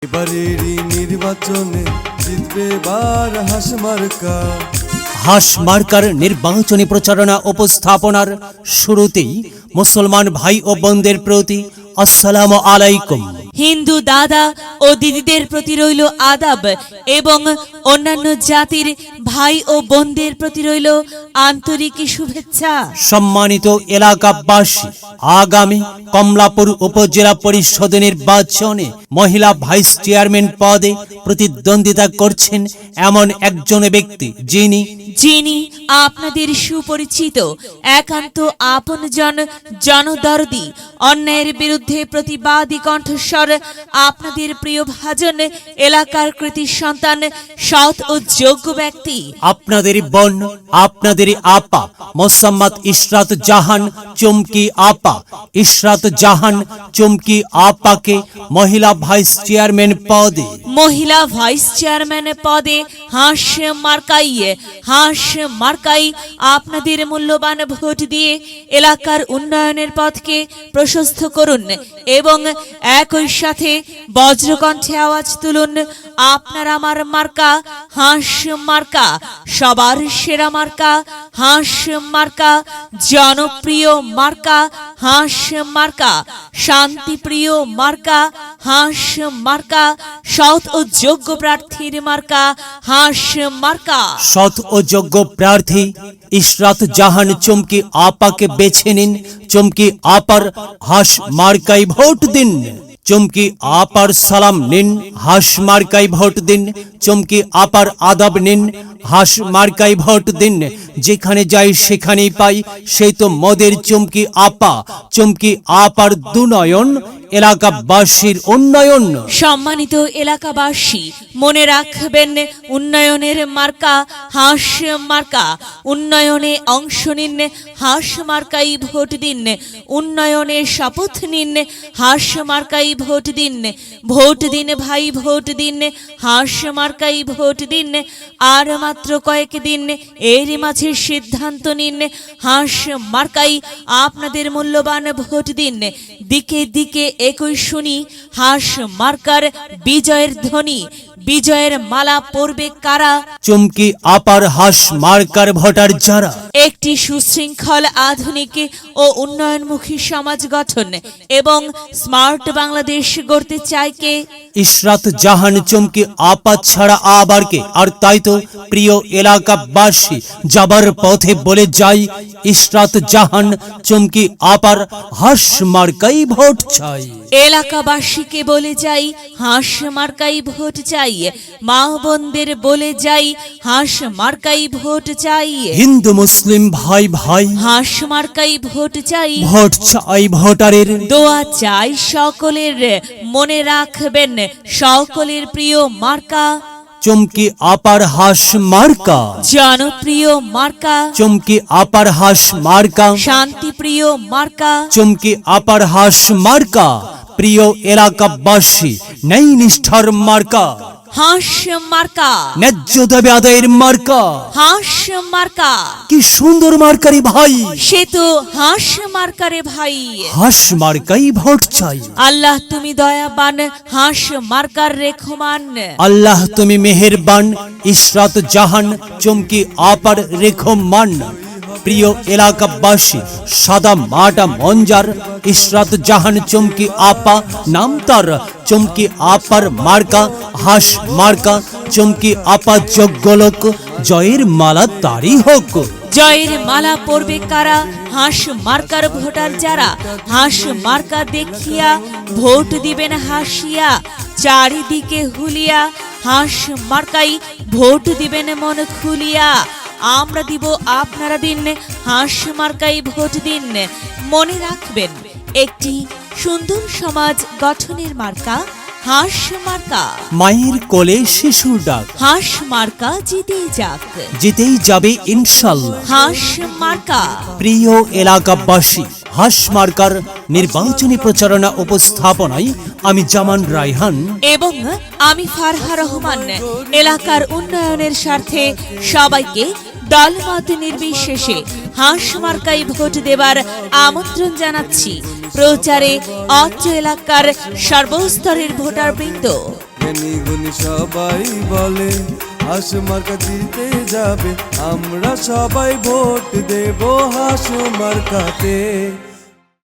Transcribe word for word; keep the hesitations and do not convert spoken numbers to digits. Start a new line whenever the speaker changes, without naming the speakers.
এবারেরই নির্বাচনে জিতবে এবার হাস মার্কা।
হাস মার্কার নির্বাচনী প্রচারণা উপস্থাপনার শুরুতেই মুসলমান ভাই ও বোনদের প্রতি আসসালামু আলাইকুম।
হিন্দু দাদা ও দিদিদের প্রতি রইল আদাব এবং অন্যান্য জাতির ভাই ও বোনদের প্রতি রইল আন্তরিক শুভেচ্ছা।
সম্মানিত এলাকাবাসী, আগামী কমলাপুর উপজেলা পরিষদ নির্বাচনে মহিলা ভাইস চেয়ারম্যান পদে প্রতিদ্বন্দ্বিতা করছেন এমন একজন ব্যক্তি যিনি
যিনি আপনাদের সুপরিচিত, একান্ত আপনজন, জনদরদি, অন্যায়ের বিরুদ্ধে প্রতিবাদী কণ্ঠস্বর, আপনাদের প্রিয় ভাজন, এলাকার কৃতি সন্তান, সৎ ও যোগ্য ব্যক্তি,
আপনাদের বোন, আপনাদের আপা মোসাম্মদ ইশরাত জাহান চুমকি আপা। ইশরাত জাহান চুমকি আপাকে মহিলা ভাইস চেয়ারম্যান পদে
মহিলা ভাইস চেয়ারম্যান পদে হাঁস মার্কাই হাঁস মার্কাই আপনাদের মূল্যবান ভোট দিয়ে এলাকার উন্নয়নের পথকে প্রশস্ত করুন এবং একই সাথে বজ্রকণ্ঠে আওয়াজ তুলুন, আপনার আমার মার্কা হাঁস মার্কা, সবার সেরা মার্কা হাঁস মার্কা, জনপ্রিয় মার্কা হাঁস মার্কা, শান্তিপ্রিয় মার্কা হাঁস মার্কা, সৎ ও যোগ্য প্রার্থীর মার্কা হাঁস মার্কা।
সৎ ও যোগ্য প্রার্থী ইশরাত জাহান চুমকি আপাকে বেছে নিন। চুমকি আপার হাঁস মার্কায় ভোট দিন। চুমকি আপার সালাম নিন, হাঁস মার্কায় ভোট দিন। চুমকি আপার আদাব নিন, হাঁস মার্কায় ভোট দিন। যেখানে যাই সেখানেই পাই সেই তো মদের চুমকি আপা। চুমকি আপার দুনয়ন, এলাকাবাসীর উন্নয়ন।
সম্মানিত এলাকাবাসী, মনে রাখবেন, উন্নয়নের মার্কা হাঁস মার্কা। উন্নয়নে অংশ নিন, হাঁস মার্কাই ভোট দিন। উন্নয়নে শপথ নিন, হাঁস মার্কাই ভোট দিন। ভোট দিন ভাই, ভোট দিন, হাঁস মার্কাই ভোট দিন। আর মাত্র কয়েক দিন, এর মাঝে সিদ্ধান্ত নিন, হাঁস মার্কাই আপনাদের মূল্যবান ভোট দিন। দিকে দিকে একই শুনি হাঁস মার্কার বিজয়ের ধ্বনি। বিজয়ের মালা পরবে কারা?
চুমকি আপার হাঁস মার্কার ভোটার যারা।
একটি সুশৃঙ্খল, আধুনিক ও উন্নয়নমুখী সমাজ গঠন এবং স্মার্ট বাংলাদেশ গড়তে চায় কে?
ইশরাত জাহান চুমকি আপা ছাড়া আবার কে? আর তাই তো প্রিয় এলাকাবাসী, যাবার পথে বলে যাই, ইশরাত জাহান চুমকি আপার হাঁস মার্কাই ভোট চাই।
এলাকাবাসীকে বলে যাই, হাঁস মার্কাই ভোট চাই। মা বোনদের বলে যাই, হাঁস মার্কাই ভোট চাই।
হিন্দু মুসলিম ভাই ভাই,
হাঁস মার্কাই ভোট চাই।
ভোট চাই ভোটারের,
দোয়া চাই সকলের। মনে রাখবেন, সকলের প্রিয় মার্কা
চুমকি আপার হাঁস মার্কা।
জনপ্রিয় মার্কা
চুমকি আপার হাঁস মার্কা।
শান্তিপ্রিয় মার্কা
চুমকি আপার হাঁস মার্কা। প্রিয় এলাকাবাসী, নেই নিষ্ঠার মার্কা,
হাঁস মার্কা।
ন্যায্য দাবি আদায়ের মার্কা।
হাঁস মার্কা,
কি সুন্দর মার্কারি ভাই,
সে তো হাঁস মার্কারে ভাই।
হাঁস মার্কাই ভোট চাই।
আল্লাহ তুমি দয়াবান, হাঁস মার্কার রেখমান।
আল্লাহ তুমি মেহেরবান, ইশরাত জাহান চুমকি আপার রেখমান। প্রিয় এলাকাবাসী, সাদা মাটা মঞ্জার ইশরাত জাহান চুমকি আপা নাম তার। চুমকি আপার মার্কা হাঁস মার্কা। চুমকি আপা যোগ্য লোক, জয়ের মালা তারই হোক।
জয়ের মালা পরবে কারা? হাঁস মার্কার ভোটার যারা। হাঁস মার্কা দেখিয়া ভোট দিবেন হাসিয়া, চারিদিকে হুলিয়া। হাঁস মার্কাই ভোট দিবেন মন খুলিয়া। আমরা দিব, আপনারা দিন, হাঁস মার্কাই ভোট দিন। মনে রাখবেন, একটি সুন্দর সমাজ গঠনের মার্কা হাঁস মার্কা।
মায়ের কোলে শিশুর ডাক,
হাঁস মার্কা জিতেই যাক,
জিতেই যাবে ইনশাল্লাহ।
হাঁস মার্কা।
প্রিয় এলাকাবাসী, হাঁস মার্কার নির্বাচনী প্রচারণা উপস্থাপনায় আমি জামান রায়হান
এবং আমি ফারহা রহমান এলাকার উন্নয়নের স্বার্থে সবাইকে দলমত নির্বিশেষে হাঁস মার্কায় ভোট দেবার আমন্ত্রণ জানাচ্ছি। প্রচারে অত্র এলাকার সর্বস্তরের ভোটারবৃন্দ।
জ্ঞানী গুণী সবাই বলে হাঁস মার্কা জিতে যাবে, আমরা সবাই ভোট দেব হাঁস মার্কাতে।